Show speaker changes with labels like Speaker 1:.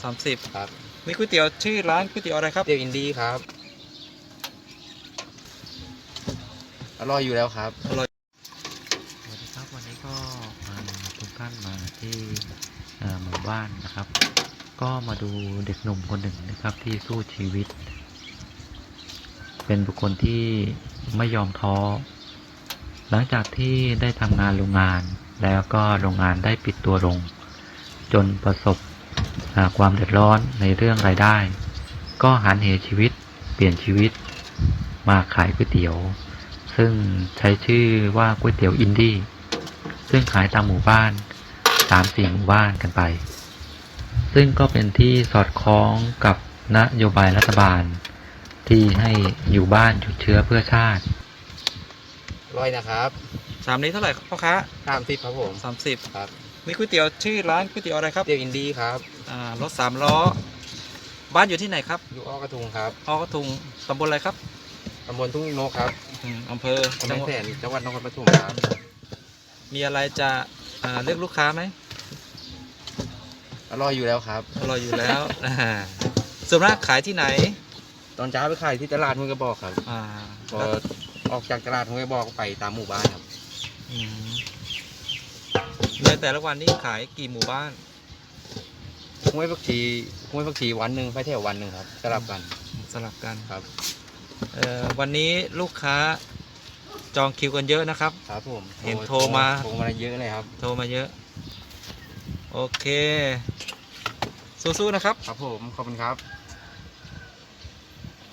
Speaker 1: 30
Speaker 2: ครับ
Speaker 1: นี่ก๋วยเตี๋ยวชื่อร้านก๋วยเตี๋ยวอะไรครับ
Speaker 2: เตี๋ยวอินดี้ครับอร่อยอยู่แล้วครับ
Speaker 1: อร่อย
Speaker 3: สวัสดีครับวันนี้ก็มาทุกท่านมาที่หมู่บ้านนะครับก็มาดูเด็กหนุ่มคนหนึ่งนะครับที่สู้ชีวิตเป็นบุคคลที่ไม่ยอมท้อหลังจากที่ได้ทำงานโรงงานแล้วก็โรงงานได้ปิดตัวลงจนประสบความเดือดร้อนในเรื่องรายได้ก็หันเหชีวิตเปลี่ยนชีวิตมาขายก๋วยเตี๋ยวซึ่งใช้ชื่อว่าก๋วยเตี๋ยวอินดี้ซึ่งขายตามหมู่บ้าน 3-4 หมู่บ้านกันไปซึ่งก็เป็นที่สอดคล้องกับนโยบายรัฐบาลที่ให้อยู่บ้านหยุดเชื้อเพื่อชาติ
Speaker 2: อร่อยนะครับ
Speaker 1: ชามนี้เท่าไหร่ครับพ่อค้า
Speaker 2: 30ครับผม
Speaker 1: 30
Speaker 2: ครับ
Speaker 1: นี่ก๋วยเตี๋ยวชื่อร้านก๋วยเตี๋ยวอะไรครับ
Speaker 2: เตี๋ยวอินดี้ครับ
Speaker 1: รถ3 ล้อบ้านอยู่ที่ไหนครับ
Speaker 2: อยู่อ้อกระทุงครับ
Speaker 1: อ้อกระทุงตำบลอะไรครับ
Speaker 2: ตำบลทุ่งนกครับ
Speaker 1: อำเภอ
Speaker 2: จังหวัดจังหวัดนครปฐมครับ
Speaker 1: มีอะไรจะเรียกลูกค้าไหม
Speaker 2: อร่อยอยู่แล้วครับ
Speaker 1: อร่อยอยู่แล้วส่วนมากขายที่ไหน
Speaker 2: ตอนเช้าไปขายที่ตลาดห้วยกระบอกครับพอออกจากตลาดห้วยกระบอกไปตามหมู่บ้านครับ
Speaker 1: ในแต่ละวันนี้ขายกี่หมู่บ้าน
Speaker 2: ห้วยผักชีวันหนึ่งไปแถววันหนึ่งครับสลับกันครับ
Speaker 1: วันนี้ลูกค้าจองคิวกันเยอะนะครับ
Speaker 2: ครับผม
Speaker 1: เห็นโทรมา
Speaker 2: เยอะเลยครับ
Speaker 1: โทรมาเยอะโอเคสู้ๆนะครับ
Speaker 2: ครับผมขอบคุณครับ